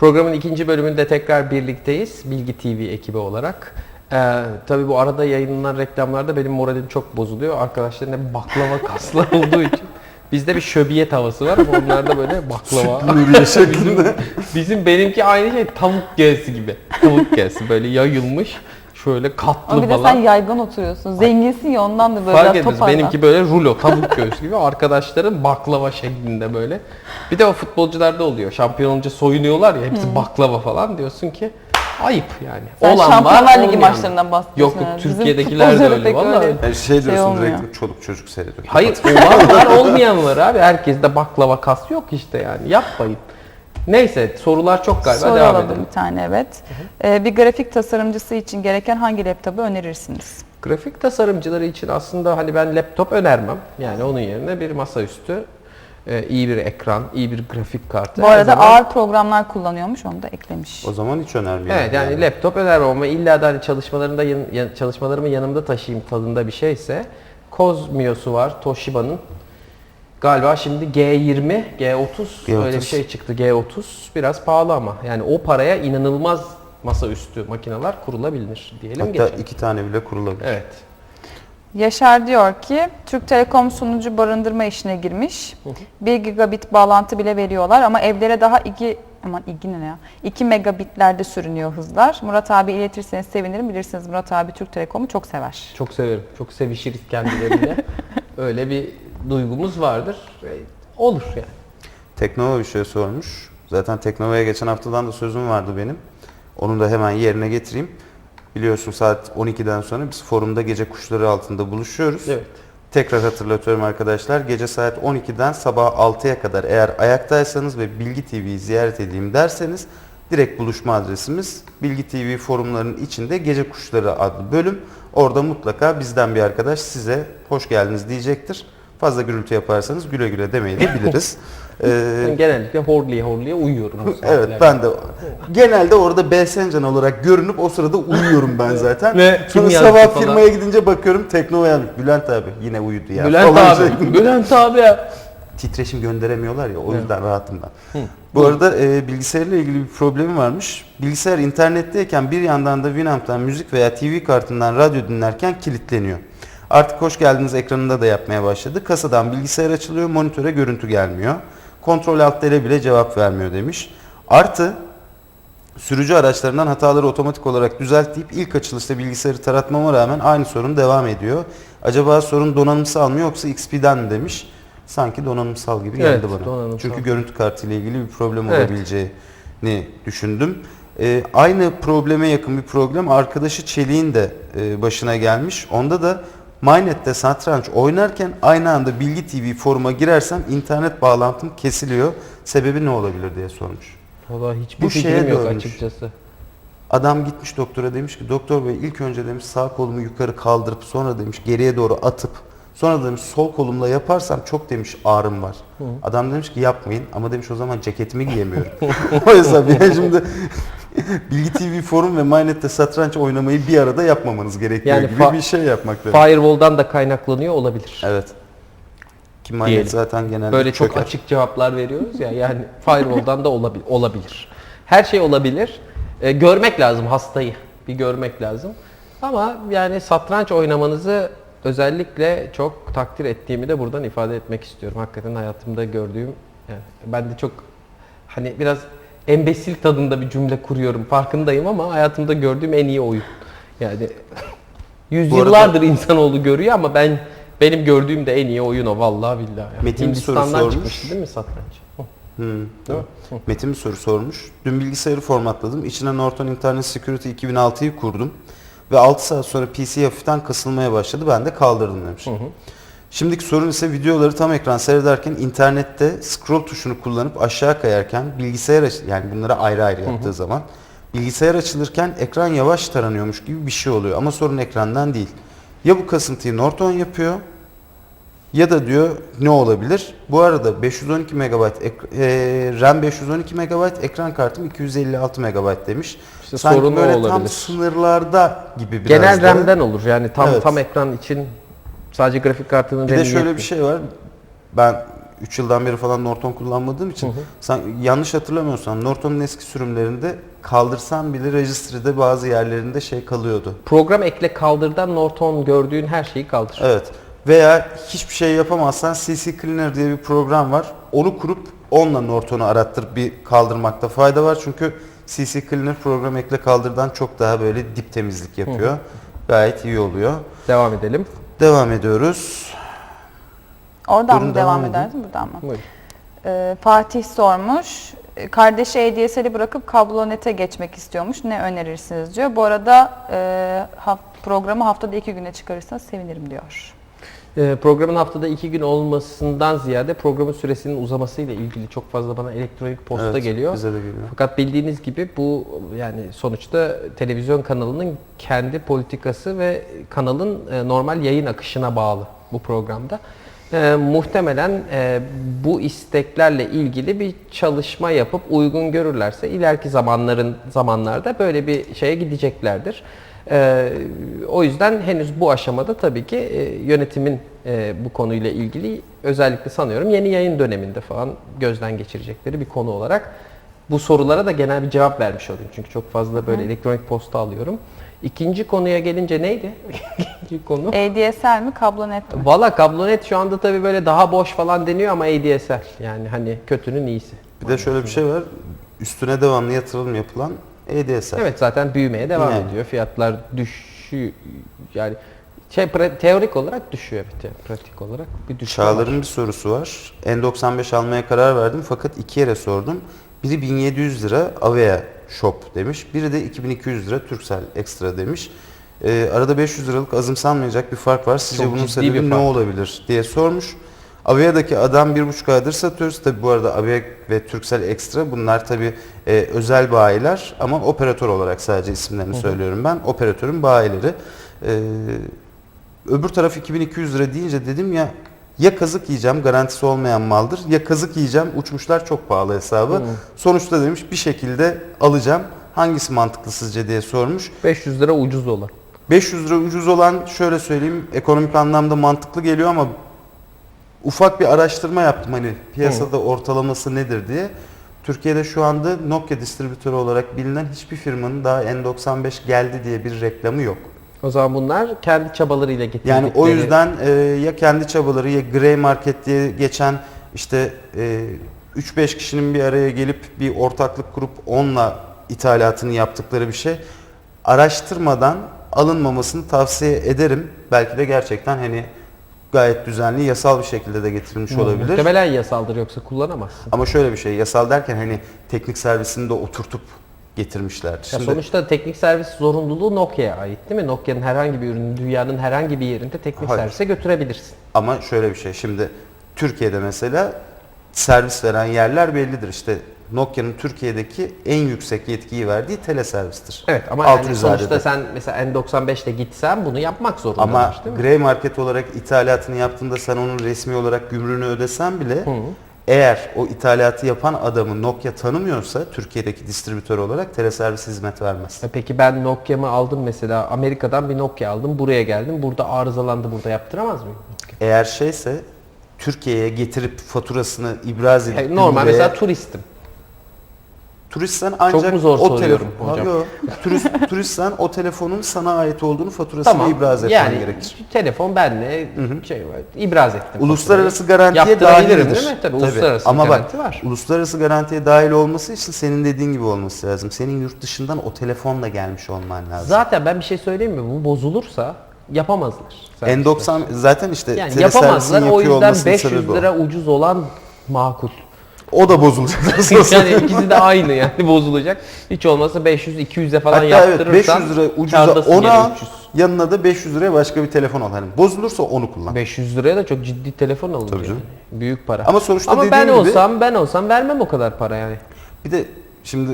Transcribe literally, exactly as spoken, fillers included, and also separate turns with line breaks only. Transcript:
Programın ikinci bölümünde tekrar birlikteyiz. Bilgi T V ekibi olarak. Ee, tabii bu arada yayınlanan reklamlarda benim moralim çok bozuluyor. Arkadaşların hep baklava kaslar olduğu için. Bizde bir şöbiyet havası var ama onlarda böyle baklava.
Nuriye şeklinde.
Bizim benimki aynı şey tavuk göğsü gibi. Tavuk göğsü böyle yayılmış. Şöyle katlı
ama bir de
falan.
sen yaygan oturuyorsun. Zenginsin ya ondan da böyle
Fark
biraz
etmez.
toparlan.
Benimki böyle rulo, tavuk göğsü gibi. Arkadaşlarım baklava şeklinde böyle. Bir de o futbolcularda oluyor. Şampiyon olunca soyunuyorlar ya hepsi hmm. baklava falan. Diyorsun ki ayıp yani.
Sen
olan
Şampiyonlar
var,
Ligi
olmayan.
maçlarından bahsediyorsun.
Yok yok
yani.
Türkiye'dekiler de öyle. Vallahi
öyle. Yani şey diyorsun
şey
direkt çoluk çocuk seyrediyor.
hayır olan var olmayan var abi. Herkeste baklava kas yok işte yani. Yapmayın. Neyse sorular çok galiba
Soru
devam
alalım
edelim.
bir tane evet. Ee, bir grafik tasarımcısı için gereken hangi laptopu önerirsiniz?
Grafik tasarımcıları için aslında hani ben laptop önermem. Yani onun yerine bir masaüstü, e, iyi bir ekran, iyi bir grafik kartı.
Bu arada zaman... ağır programlar kullanıyormuş, onu da eklemiş.
O zaman hiç önermiyorum.
Evet yani, yani laptop önermem ama illa da hani çalışmalarında yan, yan, çalışmalarımı yanımda taşıyayım tadında bir şeyse Cosmio'su var Toshiba'nın. Galiba şimdi G yirmi, G otuz, G otuz öyle bir şey çıktı. G otuz biraz pahalı ama yani o paraya inanılmaz masaüstü makineler kurulabilir diyelim.
Hatta
geçelim.
iki tane bile kurulabilir.
Evet.
Yaşar diyor ki Türk Telekom sunucu barındırma işine girmiş. bir gigabit bağlantı bile veriyorlar ama evlere daha iki aman iki ne ya? iki megabitlerde sürünüyor hızlar. Murat abi iletirseniz sevinirim. Bilirsiniz Murat abi Türk Telekom'u çok sever.
Çok severim. Çok sevişiriz kendileriyle. Öyle bir duygumuz vardır. Olur yani.
Teknova bir şey sormuş. Zaten Teknova'ya geçen haftadan da sözüm vardı benim. Onu da hemen yerine getireyim. Biliyorsun saat on ikiden sonra biz forumda gece kuşları altında buluşuyoruz.
Evet.
Tekrar hatırlatıyorum arkadaşlar. Gece saat on ikiden sabah altıya kadar eğer ayaktaysanız ve Bilgi T V'yi ziyaret edeyim derseniz direkt buluşma adresimiz Bilgi T V forumlarının içinde Gece Kuşları adlı bölüm. Orada mutlaka bizden bir arkadaş size hoş geldiniz diyecektir. Fazla gürültü yaparsanız güle güle demeyi de biliriz.
ee, ben genellikle horliye horliye uyuyorum.
Evet ben de genelde orada Belsencan olarak görünüp o sırada uyuyorum ben zaten.
Ve
sonra sabah firmaya gidince bakıyorum Teknova'ya Bülent abi yine uyudu ya.
Bülent abi, şey. Bülent abi ya.
Titreşim gönderemiyorlar ya o yüzden evet. rahatım ben. Hı. Bu arada e, bilgisayarla ilgili bir problemi varmış. Bilgisayar internetteyken bir yandan da Winamp'tan müzik veya T V kartından radyo dinlerken kilitleniyor. Artık hoş geldiniz ekranında da yapmaya başladı. Kasadan bilgisayar açılıyor, monitöre görüntü gelmiyor. Kontrol altlara bile cevap vermiyor demiş. Artı sürücü araçlarından hataları otomatik olarak düzelt deyip ilk açılışta bilgisayarı taratmama rağmen aynı sorun devam ediyor. Acaba sorun donanımsal mı yoksa X P'den mi demiş. Sanki donanımsal gibi geldi
evet,
bana.
Donanımsal.
Çünkü görüntü kartı ile ilgili bir problem
evet.
olabileceğini düşündüm. Ee, aynı probleme yakın bir problem arkadaşı Çelik'in de e, başına gelmiş. Onda da MyNet'te satranç oynarken aynı anda Bilgi T V foruma girersem internet bağlantım kesiliyor. Sebebi ne olabilir diye sormuş.
Valla hiçbir fikrim yok açıkçası.
Adam gitmiş doktora demiş ki doktor bey ilk önce demiş sağ kolumu yukarı kaldırıp sonra demiş geriye doğru atıp sonra demiş sol kolumla yaparsam çok demiş ağrım var. Hı. Adam demiş ki yapmayın ama demiş o zaman ceketimi giyemiyorum. O hesap yani şimdi Bilgi T V forum ve MyNet'te satranç oynamayı bir arada yapmamanız gerekiyor yani gibi bir şey yapmak lazım.
Firewall'dan da kaynaklanıyor olabilir.
Evet. Ki MyNet zaten genelde
böyle çok
çöker.
açık cevaplar veriyoruz ya yani firewall'dan da olabilir. olabilir. Her şey olabilir. Ee, görmek lazım hastayı. Bir görmek lazım. Ama yani satranç oynamanızı özellikle çok takdir ettiğimi de buradan ifade etmek istiyorum. Hakikaten hayatımda gördüğüm yani ben de çok hani biraz embesil tadında bir cümle kuruyorum farkındayım ama hayatımda gördüğüm en iyi oyun. Yani yüzyıllardır arada... insanoğlu görüyor ama ben benim gördüğüm de en iyi oyun o vallahi billahi. Yani.
Metin bir soru sormuş.
Çıkmıştı değil mi satranç?
Hmm, değil mi? Metin bir soru sormuş. Dün bilgisayarı formatladım. İçine Norton Internet Security iki bin altıyı kurdum. Ve altı saat sonra P C hafiften kasılmaya başladı. Ben de kaldırdım demiş. Hı hı. Şimdiki sorun ise videoları tam ekran seyrederken internette scroll tuşunu kullanıp aşağı kayarken bilgisayar aç yani bunları ayrı ayrı yaptığı hı hı. zaman bilgisayar açılırken ekran yavaş taranıyormuş gibi bir şey oluyor. Ama sorun ekrandan değil. Ya bu kasıntıyı Norton yapıyor ya da diyor ne olabilir? Bu arada beş yüz on iki megabayt e, RAM beş yüz on iki megabayt ekran kartım iki yüz elli altı megabayt demiş.
İşte
sanki
sorun
böyle
olabilir.
tam sınırlarda gibi biraz
genel
da.
RAM'den olur yani tam
evet.
tam ekran için sadece grafik kartının
bir de şöyle bir şey var. Ben üç yıldan beri falan Norton kullanmadığım için sen yanlış hatırlamıyorsam Norton'un eski sürümlerinde kaldırsan bile registry'de bazı yerlerinde şey kalıyordu.
Program ekle kaldırdan Norton gördüğün her şeyi kaldır.
Evet. Veya hiçbir şey yapamazsan C C Cleaner diye bir program var. Onu kurup onunla Norton'u arattırıp bir kaldırmakta fayda var. Çünkü C C Cleaner program ekle kaldırdan çok daha böyle dip temizlik yapıyor. Hı hı. Gayet iyi oluyor.
Devam edelim.
Devam ediyoruz.
Oradan
Buyurun,
mı devam,
devam
edersin, buradan mı?
Buyurun.
Ee, Fatih sormuş. Kardeşi A D S L'i bırakıp kablonete geçmek istiyormuş. Ne önerirsiniz diyor. Bu arada e, ha, programı haftada iki güne çıkarırsanız sevinirim diyor.
Ee, programın haftada iki gün olmasından ziyade programın süresinin uzamasıyla ilgili çok fazla bana elektronik posta
Evet,
geliyor.
bize de geliyor.
Fakat bildiğiniz gibi bu yani sonuçta televizyon kanalının kendi politikası ve kanalın e, normal yayın akışına bağlı bu programda. E, muhtemelen e, bu isteklerle ilgili bir çalışma yapıp uygun görürlerse ileriki zamanların zamanlarda böyle bir şeye gideceklerdir. Ee, o yüzden henüz bu aşamada tabii ki e, yönetimin e, bu konuyla ilgili özellikle sanıyorum yeni yayın döneminde falan gözden geçirecekleri bir konu olarak bu sorulara da genel bir cevap vermiş olayım. Çünkü çok fazla böyle Hı. elektronik posta alıyorum. İkinci konuya gelince neydi? İkinci konu.
A D S L mi, kablonet mi?
Valla kablonet şu anda tabii böyle daha boş falan deniyor ama A D S L yani hani kötünün iyisi.
Bir de şöyle bir şey var. Üstüne devamlı yatırım yapılan A D S L.
Evet zaten büyümeye devam
yani.
ediyor. Fiyatlar düşüyor. Yani şey teorik olarak düşüyor evet yani pratik olarak bir düşüyor.
Çağlar'ın bir sorusu var. N doksan beş almaya karar verdim fakat iki yere sordum. Biri bin yedi yüz lira Avea Shop demiş. Biri de iki bin iki yüz lira Turkcell Extra demiş. Ee, arada beş yüz liralık azımsanmayacak bir fark var. Sizce
Çok
bunun
ciddi
sebebi
bir
ne
fark.
olabilir diye sormuş. Avea'daki adam bir buçuk aydır satıyoruz. Tabi bu arada Avea ve Turkcell Extra bunlar tabi e, özel bayiler ama operatör olarak sadece isimlerini Hı-hı. söylüyorum ben. Operatörün bayileri. Ee, öbür taraf iki bin iki yüz lira deyince dedim ya ya kazık yiyeceğim garantisi olmayan maldır ya kazık yiyeceğim uçmuşlar çok pahalı hesabı. Hı-hı. Sonuçta demiş bir şekilde alacağım. Hangisi mantıklı sizce diye sormuş.
beş yüz lira ucuz olan.
beş yüz lira ucuz olan şöyle söyleyeyim ekonomik anlamda mantıklı geliyor ama ufak bir araştırma yaptım hani piyasada Hı. ortalaması nedir diye. Türkiye'de şu anda Nokia distribütörü olarak bilinen hiçbir firmanın daha N doksan beş geldi diye bir reklamı yok.
O zaman bunlar kendi çabalarıyla getirdikleri.
Yani o yüzden e, ya kendi çabaları ya Grey Market diye geçen işte e, üç beş kişinin bir araya gelip bir ortaklık kurup onunla ithalatını yaptıkları bir şey. Araştırmadan alınmamasını tavsiye ederim. Belki de gerçekten hani gayet düzenli, yasal bir şekilde de getirilmiş
Hı,
olabilir.
Muhtemelen yasaldır yoksa kullanamazsın.
Ama şöyle bir şey, yasal derken hani teknik servisini de oturtup getirmişler.
Şimdi, sonuçta teknik servis zorunluluğu Nokia'ya ait değil mi? Nokia'nın herhangi bir ürünü dünyanın herhangi bir yerinde teknik
hayır.
servise götürebilirsin.
Ama şöyle bir şey, şimdi Türkiye'de mesela servis veren yerler bellidir. İşte Nokia'nın Türkiye'deki en yüksek yetkiyi verdiği teleservistir.
Evet ama
Alt
yani sonuçta sen mesela N doksan beşte gitsen bunu yapmak zorundalar
ama
değil mi?
Grey Market olarak ithalatını yaptığında sen onun resmi olarak gümrüğünü ödesen bile
Hı.
eğer o ithalatı yapan adamı Nokia tanımıyorsa Türkiye'deki distribütör olarak teleservis hizmet vermez.
E peki ben Nokia'mı aldım mesela Amerika'dan bir Nokia aldım buraya geldim burada arızalandı burada yaptıramaz mıyım?
Eğer şeyse Türkiye'ye getirip faturasını ibraz edip
E, normal
buraya,
mesela turistim.
turistsen ancak
Çok mu zor
o
soruyorum
telefon,
hocam?
Yok, turist, turistsen o telefonun sana ait olduğunu faturasını
Tamam
ibraz etmen
yani
gerekir.
telefon benle şey var, ibraz ettim.
Uluslararası
faturayı.
garantiye
Yaptırabilirim
dahildir.
değil mi? Tabii, uluslararası
Ama
garanti
bak,
var.
uluslararası garantiye dahil olması için senin dediğin gibi olması lazım. Senin yurt dışından o telefonla gelmiş olman lazım.
Zaten ben bir şey söyleyeyim mi? Bu bozulursa yapamazlar.
N doksan zaten işte
yani
teleservisin
yapamazlar. O
yapıyor
yüzden
olmasının
beş yüz
sebebi o.
lira ucuz olan makul.
O da bozulacak.
Yani ikisi de aynı yani bozulacak. Hiç olmazsa beş yüz iki yüze falan
Hatta evet
yaptırırsan
beş yüz lira ucuza
kârdasın
onu
gene
al,
üç yüz.
yanına da beş yüz liraya başka bir telefon al. Hani bozulursa onu kullan.
beş yüz liraya da çok ciddi telefon alınır
Tabii
yani.
canım.
Büyük para.
Ama sonuçta
Ama
dediğim
ben
gibi-
olsam ben olsam vermem o kadar para yani.
Bir de şimdi